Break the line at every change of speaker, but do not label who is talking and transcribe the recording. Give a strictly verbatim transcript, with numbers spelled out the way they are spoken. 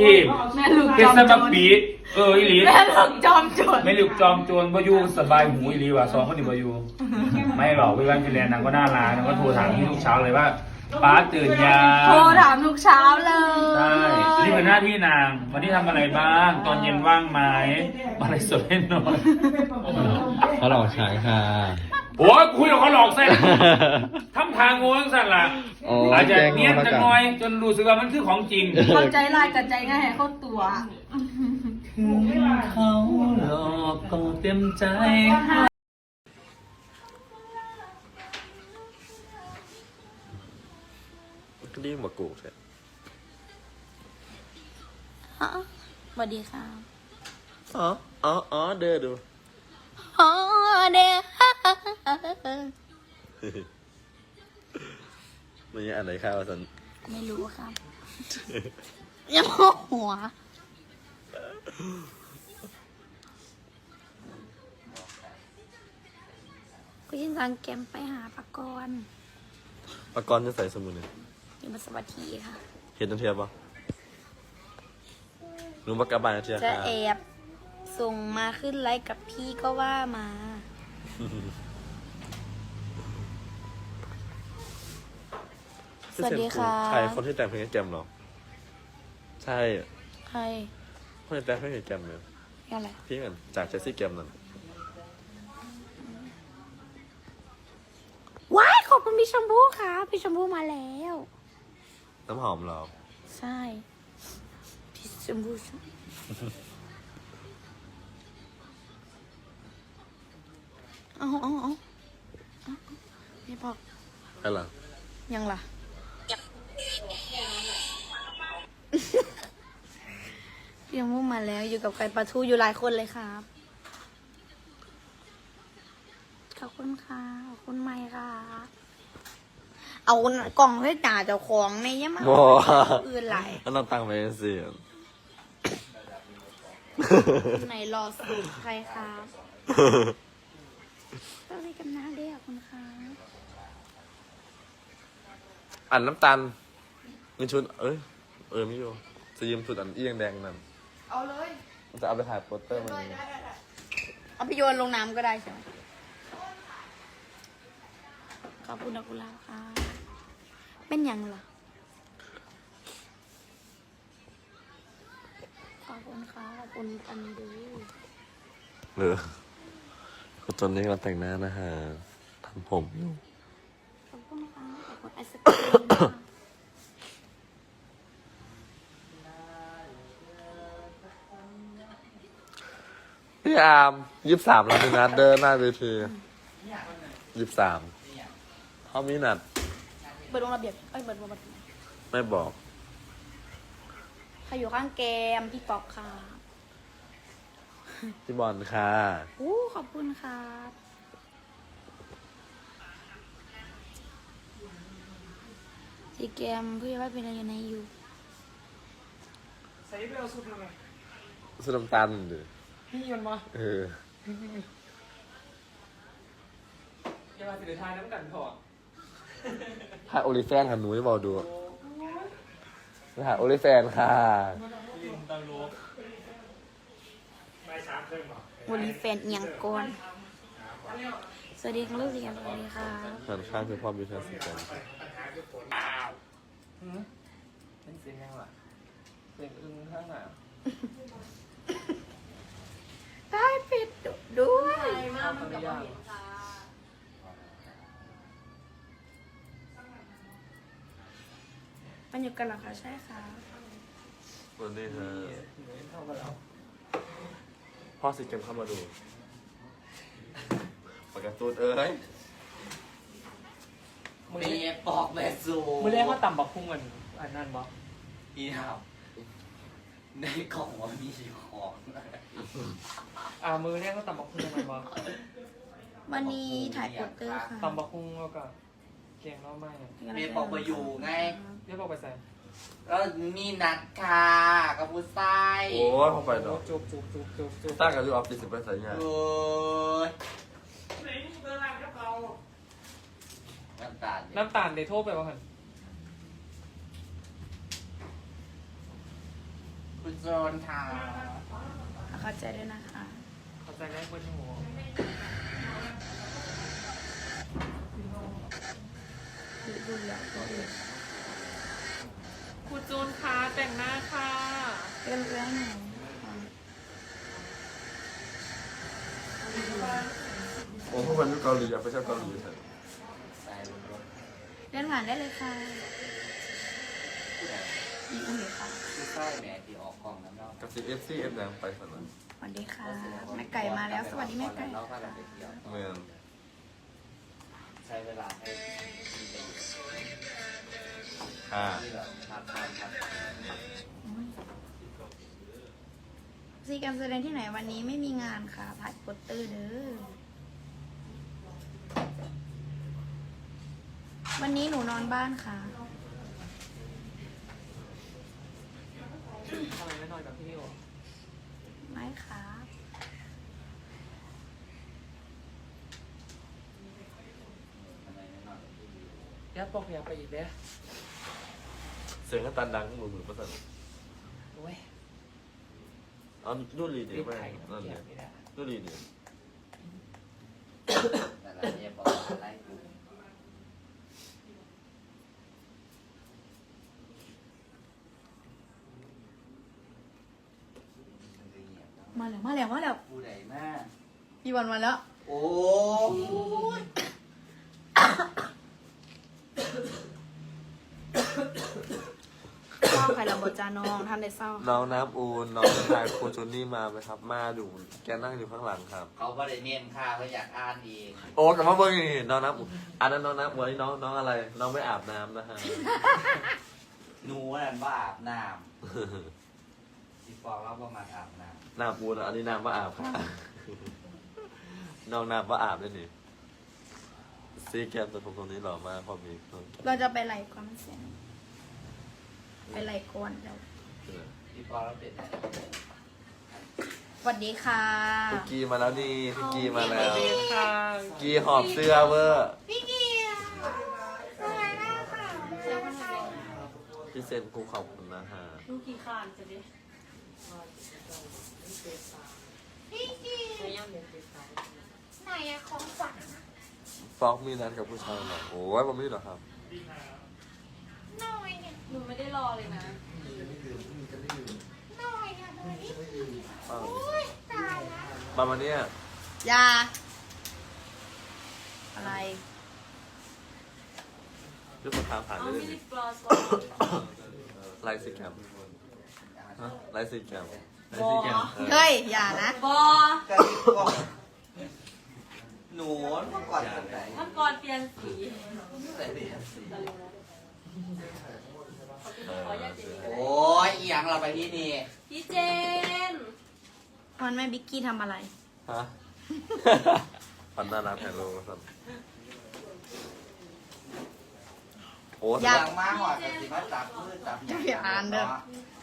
แม่ลูก
เพ
จ
ช
อ
ร
ม
ส
โจ
มัคร
ร
ปีเอออีหลี
แม่ลูกจอมโจร
ไม่ลูกจอมโจรบอยู่สบายหูอีหลีว่ะสองคนนี้บอยู่ไม่หรอกพี่วันพี่แลนนางก็น่ารักนางก็โทรถามพี่ทุกเช้าเลยว่าป้าตื่นยัง
โทรถามทุกเช้าเลย
ใช่นี่เป็นหน้าที่นางวันนี้ทำอะไรบ้าง ตอนเย็นว่างไหมอะไรสดให้หน่อย
เขาหลอกฉายค่ะ
โอ้ยคุยกับเขาหลอกเส้นทำทางงงสั่นล่ะ
อ๋อ
อาจจะ
แจ้ง
เนียน
มาแล้ว
จะ
กัน
น้อย จนรู้สึกว่ามันคือของจริง
เข้าใจลายกับใจง่ายให้เข้าตัว
ถึงเขาหลอกก็เต็มใจ
ก็รีบมากูใช่
สวัสดีค่ะ
อ๋ออ๋ออ๋อเดินดู
อ๋อเด้อ
มันยังอ่านไหนข้าวสัน
ไม่รู้ครับ ยังหัวก็ยินสังแกมไปหาปากร
ปากรจะใส่สมุนเนี่ย
อยู่มาสวัสดีค่ะ
เห็นนันเทียบปะรู้ปากกาบานนันเทีย
จะ
ค่ะ
แอบส่งมาขึ้นไลฟ์กับพี่ก็ว่ามา สวัสดีค่ะ
ใครคนที่แต่งเพลงให้แจมเหรอ ใช่
ใคร
คนที่แต่งเพลงให้แจมเนี่ย
อะไร
พี่กันจากเจสซี่แกมนั่น
ว้ายขอบคุณพี่ชมพู่ค่ะ พี่ชมพู่มาแล้ว
น้ำหอมเหรอ
ใช่ พี่ชมพู่เอาเอาเอาเอาไม่บอก
ใครล่ะ
ยังล่ะ พี่ชมพู่มาแล้วอยู่กับไก่ปลาทูอยู่หลายคนเลยครับ ขอบคุณค่ะ ขอบคุณไม่ค่ะ เอากล่องให้จ่าเจ้าของในยังมา
โอ้
อื่นไหลาย
แล้วเราตั้งไปสิ
ไหนรอสูตรใครครับก็เลยกันหน้าเรียกคุณค่ะ
อันน้ำตาลเงินชุด เอ้ย เออไม่อยู่จะยืมชุดอันเอียงแดงนั่น
เอาเลย
จะเอาไปถ่ายโปสเตอร์มัน
เอาไปโยนลงน้ำก็ได้ใช่ไหมขอบคุณนะกุลาค่ะ เป็นยังล่ะ ขอบคุณค่ะ ขอบคุณอันดู
เออคือตอนนี้เราแต่งหน้านะฮะทำผมอยู่
ขอบคุณค่ะขอบคุณไอศกรีมค่ะ
พี่อาร์มยี่สิบสามเรามีนัดเดินหน้าเวทียี่สิบสามเขามีนัด
เปิดวงระเบียบเอ้ยเปิดวงระเบียบ
ไม่บอก
ใครอยู่ข้างเกมพี่ป๊อกค่ะ
พี่บอลค่ะ
อู้ขอบคุณครับที่เกมพี่ว่าเป็นอะไรในอยู่
ใส่ไปเอาสุดเลย
สุดน้ำตาลดิ
พี่มันมา
เออ
จะมาสิเดทายน้ำกันถอด
ถ่ายโอลิแฟนค่ะหนูจะบอกดูถ่ายโอลิแฟนค่ะ
ลินตาลูกไม่ช้าเคยบอก
วันนี้แฟนเอียงก่อน สวัสดีค่ะลูกเรียนสวัสดีค่ะ
หันข้างคือความมีทางสิกัน
เป็นเสียงยังวะเสียงอึ้งข้างหน้า
ได้ปิดด้วย
เอาคนละอย่าง
มันอยู่กันเหรอคะใช่ค่ะ
วันนี้ฮะ
เข้ามาแล้ว
พ่อสิเกมเข้ามาดูปากกาตูดเอ้ย
มือ
เมียปอกแม่สู
มือแรกว่าต่ำบักพุ่งกันอันนั้นบอก
อีครับในกล่องว่ามีของ
อ่ามือแรกว่าต่ำบักพุ่งกันบอก
วันนี้ถ่ายโปสเตอร์ค่ะ
ต่ำบักพุ่งแล้วก็เก่งแล้วไม่
เมียปอกมาอยู่ไง
เรียกบอกไปใส่
แล้วมีนัดค่ะกับผู้ชาย
โอ้ยเข้าไปเนาะ
จุบจุบจุบจุบจุบ
ตั้งกันอยู่ออฟฟิศสิบไปใส่เนี่ย
โอ้ย
ไหนเดินทางกับเรา
น้ำตาลเนี่ย
น้ำตาลเดโทไปบ้างหัน
คุณโจนค่ะ
เข้าใจด้วยนะคะ
เข้าใจได้บนหัว
ดูดูแล้วก็ดู
คุณจูนค่ะแต่งหน้าค่ะ
เรื่องเรื่องหนู
โอ้พวกมันอยู่เกาหลีอะไปเที่ยวเกาหลีเถอะ
ใส่บนรถ
เลื่อนผ่านได้เลยค่ะ
ผู้ใด
อีกอันนี้ค่ะ
ผู้ใต้แม่ที่ออกกล้องน้ำเน่า
กับซีเอฟซีเอฟแดงไปสนาม
สวัสดีค่ะแม่ไก่มาแล้ว สวัสดีแม่ไก่
เราพา
ค่ะ
กันไปเที่ยว
เมือง
ใช้เวลาให้มีประโยชน์
ค่ะ
ที่แบบทานทานทาน
ซีการแสดงที่ไหนวันนี้ไม่มีงานค่ะถ่ายโปสเตอร์เด้อวันนี้หนูนอนบ้านค่ะ
ทำไมไม่นอนกับพี่นิว
ไม่ค่ะ
ทำไมไม่นอนกับพี่ดิว
ยัดปอกอยากไปอีกเด้อ
เสียงก็ตันดังมือมือประสัน
โอ้ย
เอาดูรีดี
รีบ
ไหม
ไข่
นั่น
เกี
เลย ย
ไม่ได้
ดูรีดี
แต่ละเนี่ยบอกว่าไล่ดูมันจะเงียบเนอะ
มาแล้วมาแล้วมาแล้ว
ผู้ใดมาก
พี่วันมาแล้ว
โอ้ย
เศร้าใครเราบทจาน้องทำได้เศร้า
น้องน้ำอูนน้องชายครูจูนี่มาไหมครับ มาอยู่แกนั่งอยู่ข้างหลังครับ
เขาก็ได้เนียนค่าเขาอยากอ่านเอง
โอ้กลับมาเบิ้งนี่น้องน้ำอูนอันนั้นน้องน้ำอูนนี่น้องน้องอะไร น้องไม่อาบน้ำนะฮะ
หนูนั่นว่าอาบน้ำที่ฟองเราประมาณอาบน้
น้ำอูนอันนี้น้ำว่าอาบค่ะน้องน้ำว่าอาบด้วยนี่ซีแกมตัวผมตรงนี้หล่อมากพอมีคน
เราจะไปไหลก่อนมันเสียงไปไหลก่อนเดี๋ยว
ำที่ฟองเราเป็น
สวัสดีค่ะ
พี่กีมาแล้วนี่พี่กีมาแล้ว
ดีค่ะ
กีหอบเสื้อเวอร์
พี่เกียร์สวัสดีค่ะเจ้าคนไหน
พี่เซนกูขอบคุณนะฮะ
ลูกกี่ขานจะดิ
พี่เกียร์
ไม่ย่ำเด็กเด็กสาว
ไหนอะของขวัญ
ฟอกมีนัดกับผู้ชายเหรอโอ้ยผมไม่หรอกครับ
หน่อยเนี่ย
หนูไม่ได้รอเลยนะ
หน่อยเนี่ยหน่อยนี่
ฟัง
โอ้ยตายแล้ว
ประมาณเนี้ย
ยาอะไร
ยุบมาทางผ่าน
เอา
ได้เล
มิ
ย
ลิกลอส
ไลฟ์ซีแคมฮะไลฟ์ซีแคม
บอ
เฮ้ย อย่านะ
บอก
ระดิบก็หนูเมื่อก่อนเป็นไหน
ท่านก่อนเปลี่ยนสี
แต่เรียนสี
ขออยาตเจน
โอ้ยอีหยังเราไปที่นี่
พี่เจน
วันแม่บิ๊กกี้ทำอะไร
ฮะพันน่ารักแฮลโลครับโอ้
อยาก
หลังมาหอดกับสิมาจับมือจับห
อย่าอ่านเด้อ
เนาะ